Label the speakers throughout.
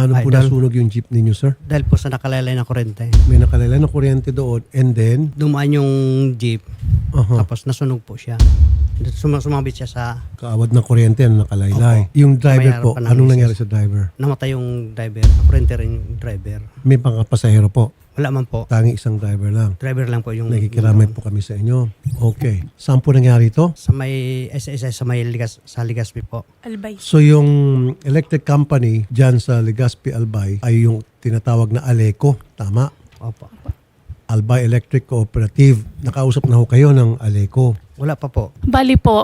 Speaker 1: Paano po nasunog yung jeep ninyo, sir?
Speaker 2: Dahil po sa nakalaylay na kuryente.
Speaker 1: May nakalaylay na kuryente doon and then?
Speaker 2: Dumaan yung jeep, tapos nasunog po siya. Sumabit siya sa...
Speaker 1: Kaawad ng kuryente na nakalaylay. Yung driver po, anong nangyari sa driver?
Speaker 2: Namatay yung driver. Kuryente rin yung driver.
Speaker 1: May pasahero po?
Speaker 2: Wala man po.
Speaker 1: Tangi isang driver lang?
Speaker 2: Driver lang po yung...
Speaker 1: Nakikiramay po kami sa inyo. Okay. Saan po nangyari ito?
Speaker 2: Sa may SSS, sa Legazpi po.
Speaker 3: Albay.
Speaker 1: So yung electric company dyan sa Legazpi Albay ay yung tinatawag na Aleco. Tama?
Speaker 2: Opo.
Speaker 1: Albay Electric Cooperative. Nakausap na ho kayo ng Aleco.
Speaker 2: Wala pa po.
Speaker 3: Bali po,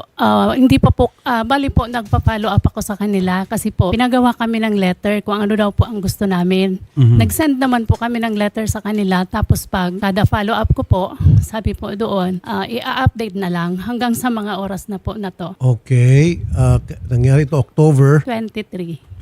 Speaker 3: bali po nagpa-follow up ako sa kanila kasi po pinagawa kami ng letter kung ano daw po ang gusto namin. Nag-send naman po kami ng letter sa kanila tapos pag kada follow up ko po, sabi po doon, i-update na lang hanggang sa mga oras na po na to.
Speaker 1: Okay. Nangyari ito October
Speaker 3: 23.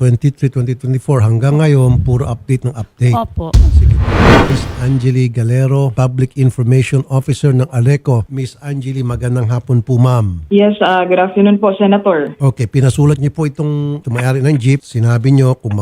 Speaker 1: 2024. Hanggang ngayon, puro update ng update.
Speaker 3: Opo.
Speaker 1: Sige. Miss Angeli Galero, Public Information Officer ng Aleco. Miss Angeli, magandang hapon po, ma'am.
Speaker 4: Yes, good afternoon po, Senator.
Speaker 1: Okay, pinasulat niyo po itong tumayari ng jeep. Sinabi niyo kung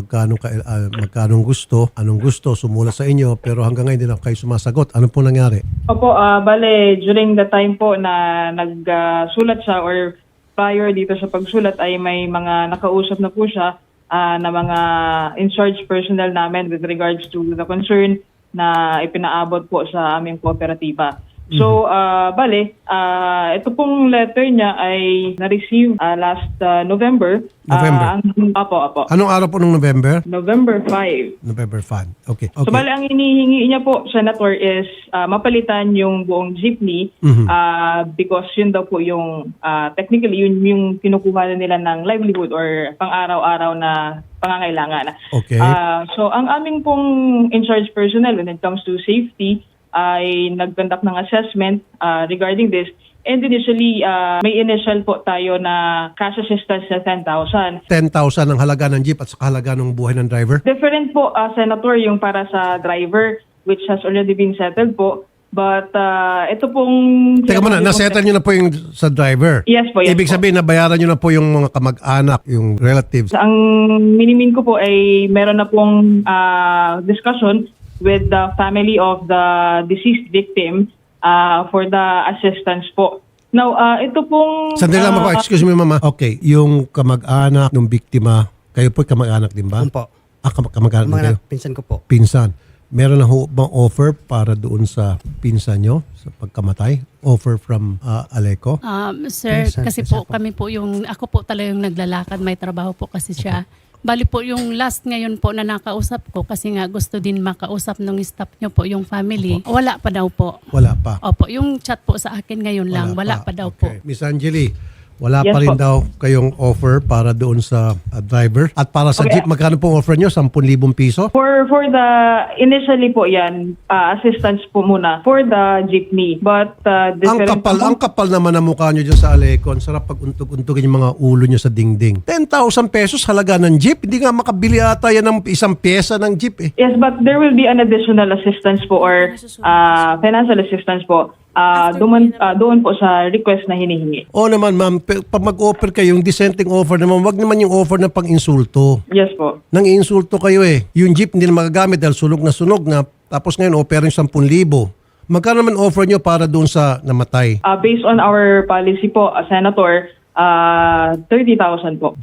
Speaker 1: magkano gusto, anong gusto, sumulat sa inyo, pero hanggang ngayon hindi na kayo sumasagot. Ano po nangyari?
Speaker 4: Opo, bale, during the time po na nagsulat siya or prior dito sa pagsulat ay may mga nakausap na po siya na mga in-charge personnel namin with regards to the concern na ipinaabot po sa aming kooperatiba. So, bale, ito pong letter niya ay na-receive last November.
Speaker 1: November?
Speaker 4: Opo.
Speaker 1: Anong araw po ng November?
Speaker 4: November 5.
Speaker 1: November 5. Okay.
Speaker 4: So, bale, ang hinihingi niya po, Senator, is mapalitan yung buong jeepney because yun daw po yung, technically, yun yung kinukuha na nila ng livelihood or pang-araw-araw na pangangailangan.
Speaker 1: Okay.
Speaker 4: So, ang aming pong in-charge personnel when it comes to safety, ay nag-conduct ng assessment regarding this. And initially, may initial po tayo na cash assistance na 10,000.
Speaker 1: 10,000 ang halaga ng jeep at saka halaga ng buhay ng driver?
Speaker 4: Different po, Senator, yung para sa driver, which has already been settled po. But ito pong...
Speaker 1: Teka muna, nasettle nyo na po yung sa driver?
Speaker 4: Yes po, yes
Speaker 1: Ibig
Speaker 4: po.
Speaker 1: sabihin, nabayaran nyo na po yung mga kamag-anak, yung relatives?
Speaker 4: Ang minimin ko po ay meron na pong discussion with the family of the deceased victim for the assistance po. Now, ito pong...
Speaker 1: Sandali lang po, excuse me mama. Okay, yung kamag-anak ng biktima, kayo po kamag-anak din ba?
Speaker 2: Opo.
Speaker 1: Kamag-anak din kayo?
Speaker 2: Pinsan ko po.
Speaker 1: Pinsan. Meron na ho bang offer para doon sa pinsan nyo sa pagkamatay? Offer from Aleco?
Speaker 3: Sir,
Speaker 2: Pinsan,
Speaker 3: kasi
Speaker 2: pinsan
Speaker 3: po
Speaker 2: po.
Speaker 3: kami po ako po talaga yung naglalakad, may trabaho po kasi siya. Bali po yung last ngayon po na nakausap ko kasi nga gusto din makausap ng staff nyo po, yung family. Wala pa daw po.
Speaker 1: Wala pa.
Speaker 3: Opo, yung chat po sa akin ngayon lang, wala pa daw po.
Speaker 1: Okay. Miss Angeli, wala
Speaker 4: Yes
Speaker 1: pa rin
Speaker 4: po.
Speaker 1: daw kayong offer para doon sa driver? At para sa jeep, magkano pong offer nyo? 10,000 piso?
Speaker 4: For the initially po yan, assistance po muna for the jeepney. But
Speaker 1: Ang kapal naman ang mukha nyo dyan sa Aleco. Ang sarap pag untog-untogin yung mga ulo nyo sa dingding. 10,000 pesos halaga ng jeep? Hindi nga makabili ata yan ng isang pyesa ng jeep eh.
Speaker 4: Yes, but there will be an additional assistance po or financial assistance po doon po sa request na hinihingi.
Speaker 1: O naman ma'am, pag mag-offer kayo, yung dissenting offer naman, wag naman yung offer na pang-insulto.
Speaker 4: Yes po.
Speaker 1: Nang insulto kayo eh. Yung jeep hindi na magagamit dahil sunog na. Tapos ngayon, offer yung 10,000. Magkano naman offer nyo para doon sa namatay?
Speaker 4: Based on our policy po, Senator, 30,000 po.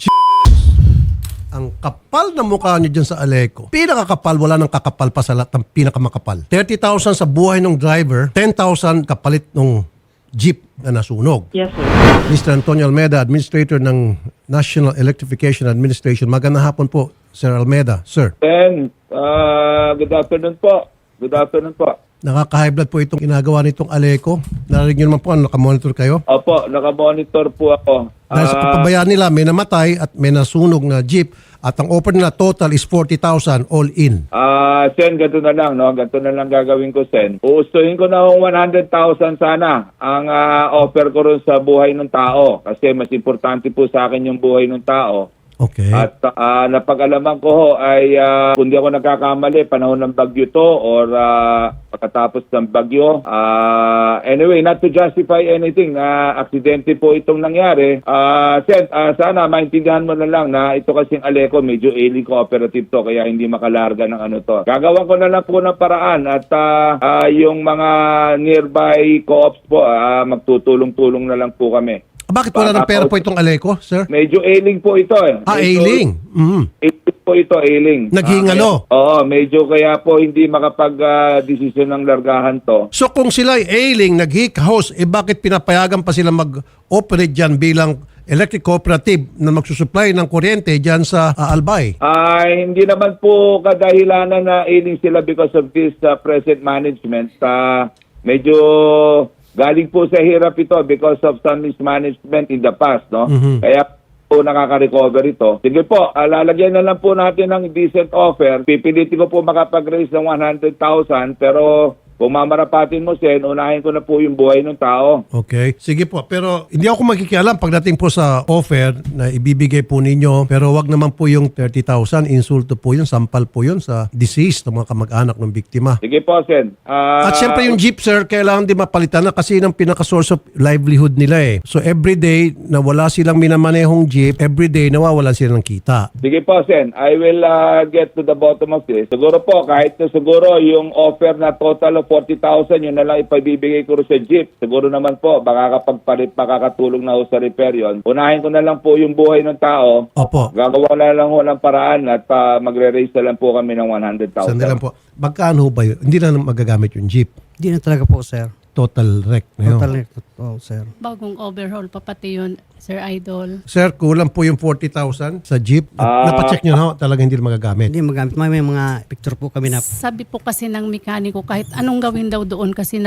Speaker 1: Ang kapal na mukha nyo dyan sa Aleco. Pinakakapal, wala nang kakapal pa sa lahat ng pinakamakapal. 30,000 sa buhay ng driver, 10,000 kapalit ng jeep na nasunog.
Speaker 4: Yes, sir.
Speaker 1: Mr. Antonio Almeda, Administrator ng National Electrification Administration. Magandang hapon po, Sir Almeda. Sir.
Speaker 5: Sen, good afternoon po. Good afternoon po.
Speaker 1: Nakaka-high blood po itong ginagawa nitong Aleco. Narinig nyo naman po, nakamonitor kayo?
Speaker 5: Opo, nakamonitor po ako.
Speaker 1: Dahil sa papabayaan nila, may namatay at may nasunog na jeep at ang offer nila total is 40,000 all in.
Speaker 5: Sen, ganito na lang, no? Ganito na lang gagawin ko, Sen. Uustuhin ko na yung 100,000 sana ang offer ko rin sa buhay ng tao. Kasi mas importante po sa akin yung buhay ng tao
Speaker 1: Okay.
Speaker 5: At napag-alaman ko ho ay kung di ako nagkakamali, panahon ng bagyo to or pagkatapos ng bagyo. Anyway, not to justify anything, aksidente po itong nangyari. Sen, sana maintindihan mo na lang na ito kasing Aleco, medyo ailing cooperative to, kaya hindi makalarga ng ano to. Gagawan ko na lang po ng paraan at yung mga nearby co-ops po, magtutulong-tulong na lang po kami.
Speaker 1: Bakit wala ng pera po itong Aleco, sir?
Speaker 5: Medyo ailing po ito eh.
Speaker 1: Ailing.
Speaker 5: Ailing po ito, ailing.
Speaker 1: Naghingalo.
Speaker 5: Oo, medyo kaya po hindi makapag-desisyon ng largahan to.
Speaker 1: So kung sila ay ailing, nag-house, bakit pinapayagan pa sila mag-operate dyan bilang electric cooperative na magsusupply ng kuryente dyan sa Albay?
Speaker 5: Hindi naman po kadahilanan na ailing sila because of this present management. Medyo galing po sa hirap ito because of some mismanagement in the past, no? Kaya po nakaka-recover ito. Sige po, lalagyan na lang po natin ng decent offer. Pipilitin ko po makapag-raise ng 100,000 pero kung mamarapatin mo, Sen, unahin ko na po yung buhay ng tao.
Speaker 1: Okay. Sige po. Pero hindi ako makikialam pagdating po sa offer na ibibigay po ninyo. Pero wag naman po yung 30,000. Insulto po yun. Sampal po yun sa deceased ng mga kamag-anak ng biktima.
Speaker 5: Sige po, Sen.
Speaker 1: At syempre yung jeep, sir, kailangan din mapalitan na kasi yun ang pinaka-source of livelihood nila eh. So everyday na wala silang minamanehong jeep, everyday nawawalan sila ng kita.
Speaker 5: Sige po, Sen. I will get to the bottom of this. Siguro po, kahit na siguro yung offer na total of 40,000, yun na lang ipabibigay ko rin sa jeep. Siguro naman po, baka kapag makakatulong na ho sa repair yun. Unahin ko na lang po yung buhay ng tao.
Speaker 1: Opo.
Speaker 5: Gagawa na lang ho ng paraan at magre-raise na lang po kami ng 100,000.
Speaker 1: Sandali lang po. Magkano ba yun? Hindi na magagamit yung jeep.
Speaker 2: Hindi na talaga po, sir.
Speaker 1: Total wreck na yun.
Speaker 2: Total oh, sir.
Speaker 3: Bagong overhaul pa pati yun, Sir Idol.
Speaker 1: Sir, kulang po yung 40,000 sa jeep. Napacheck nyo na ho, talaga hindi na magagamit.
Speaker 2: Hindi magamit. May mga picture po kami na
Speaker 3: Sabi po kasi ng mekaniko kahit anong gawin daw doon kasi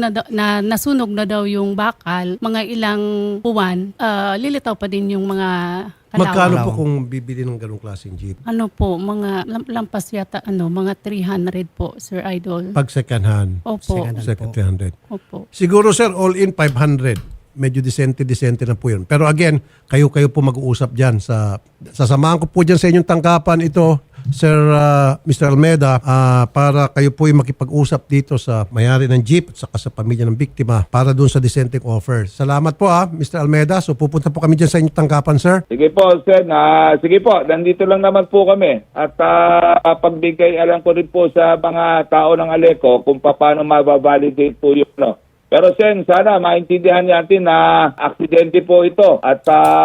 Speaker 3: nasunog na daw yung bakal, mga ilang buwan, lilitaw pa din yung mga kalawan.
Speaker 1: Magkano po kung bibili ng ganong klaseng jeep?
Speaker 3: Ano po, mga lampas yata, mga 300 po, Sir Idol.
Speaker 1: Pag second hand,
Speaker 3: Opo.
Speaker 1: second 300.
Speaker 3: Opo.
Speaker 1: Siguro sir, all in 500. Medyo disente na po yun. Pero again, kayo po mag-uusap dyan. Sasamahan ko po dyan sa inyong tanggapan ito, Sir Mr. Almeida, para kayo po yung makipag-usap dito sa mayari ng jeep at saka sa pamilya ng biktima para dun sa dissenting offer. Salamat po Mr. Almeida. So pupunta po kami dyan sa inyong tanggapan, sir.
Speaker 5: Sige po, Sen. Sige po, nandito lang naman po kami. At pagbigay alam ko rin po sa mga tao ng Aleco kung paano mababalidate po yun. No? Pero Sen, sana maintindihan natin na aksidente po ito. At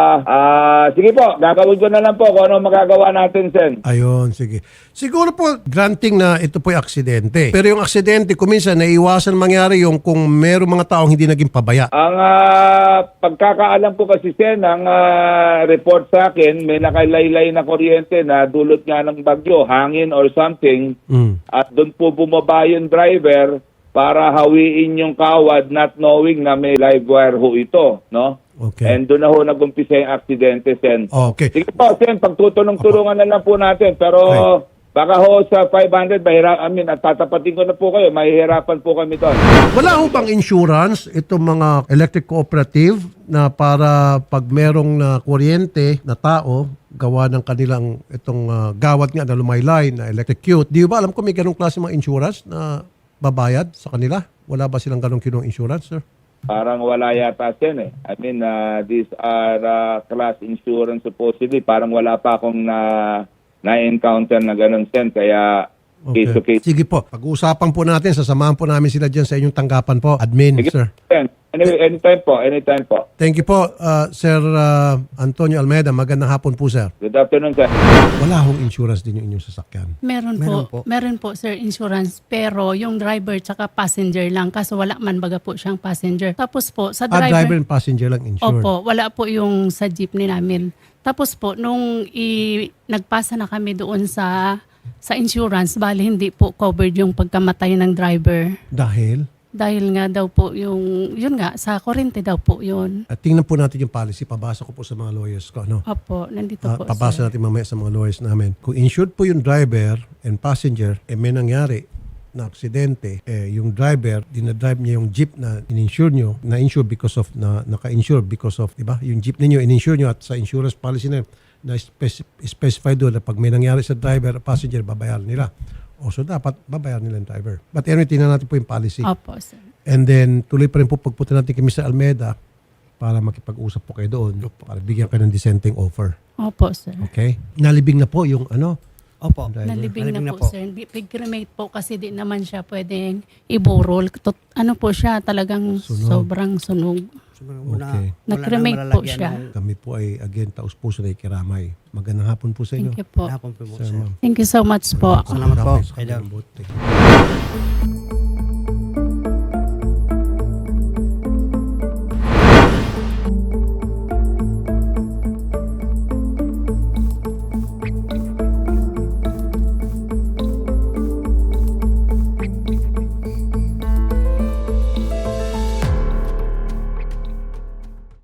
Speaker 5: sige po, gagawin ko na lang po kung ano magagawa natin, Sen.
Speaker 1: Ayun, sige. Siguro po, granting na ito po yung aksidente. Pero yung aksidente, kuminsan, naiiwasan mangyari yung kung merong mga taong hindi naging pabaya.
Speaker 5: Ang pagkakaalam po kasi, Sen, ang report sa akin, may nakalaylay na kuryente na dulot nga ng bagyo, hangin or something. At doon po bumaba yung driver para hawiin yung kawad not knowing na may live wire ho ito, no?
Speaker 1: Okay.
Speaker 5: And doon na ho nag-umpisa yung aksidente, Sen.
Speaker 1: Okay.
Speaker 5: Sige po, Sen, pagtutulong-tulungan na lang po natin. Pero baka ho sa 500, at tatapatin ko na po kayo, mahihirapan po kami doon.
Speaker 1: Wala ho bang insurance itong mga electric cooperative na para pag merong na kuryente na tao, gawa ng kanilang itong gawad nga na lumaylay na electrocute. Di ba alam ko may ganong klase mga insurance na babayad sa kanila? Wala ba silang ganong kinong insurance, sir?
Speaker 5: Parang wala yata, Sen, eh. I mean, these are class insurance supposedly. Parang wala pa akong na-encounter na ganon, Sen. Kaya case to case.
Speaker 1: Sige po. Pag-uusapan po natin, sasamahan po namin sila dyan sa inyong tanggapan po. Admin,
Speaker 5: Sige,
Speaker 1: sir.
Speaker 5: Sen. Anyway, anytime po.
Speaker 1: Thank you po, Sir Antonio Almeida. Magandang hapon po, sir.
Speaker 5: Good afternoon, Sen.
Speaker 1: Wala hong insurance din yung inyong sasakyan.
Speaker 3: Meron po. Meron po, sir, insurance. Pero yung driver tsaka passenger lang. Kaso wala man baga po siyang passenger. Tapos po, sa
Speaker 1: Driver and passenger lang insured.
Speaker 3: Opo, wala po yung sa jeepney namin. Tapos po, nung nagpasa na kami doon sa insurance, bali hindi po covered yung pagkamatay ng driver. Dahil nga daw po yun nga, sa kurente daw po yun.
Speaker 1: At tingnan po natin yung policy. Pabasa ko po sa mga lawyers ko. Ano?
Speaker 3: Opo, nandito po,
Speaker 1: Pabasa
Speaker 3: sir.
Speaker 1: natin mamaya sa mga lawyers namin. Kung insured po yung driver and passenger, may nangyari na aksidente, yung driver, dinadrive niya yung jeep na in-insure nyo, na-insure because of, naka-insure because of, diba? Yung jeep ninyo, in-insure nyo at sa insurance policy na na specify doon na pag may nangyari sa driver, passenger, babayaran nila. O so dapat babayaran nila yung driver. But anyway, tingnan natin po yung policy.
Speaker 3: Opo, sir.
Speaker 1: And then, tuloy pa rin po pagpunta natin kay Mr. Almeida para makipag-usap po kayo doon. Para bigyan kayo ng dissenting offer.
Speaker 3: Opo, sir.
Speaker 1: Okay? Nalibing na po yung
Speaker 2: Opo.
Speaker 1: driver.
Speaker 3: Nalibing
Speaker 2: Nalibing
Speaker 3: na
Speaker 2: na
Speaker 3: po,
Speaker 2: po.
Speaker 3: sir. Big cremate po kasi di naman siya pwedeng iburol. Ano po siya, talagang
Speaker 1: Sunog.
Speaker 3: sobrang sunog.
Speaker 1: Okay.
Speaker 3: Nag-cremate po siya.
Speaker 1: Kami po ay again taos puso na ikiramay. Magandang hapon po sa inyo.
Speaker 3: Thank you po.
Speaker 2: Hapon po,
Speaker 1: Sir,
Speaker 2: sir.
Speaker 1: ma'am.
Speaker 3: Thank you so much po.
Speaker 2: Salamat po.
Speaker 1: Thank you.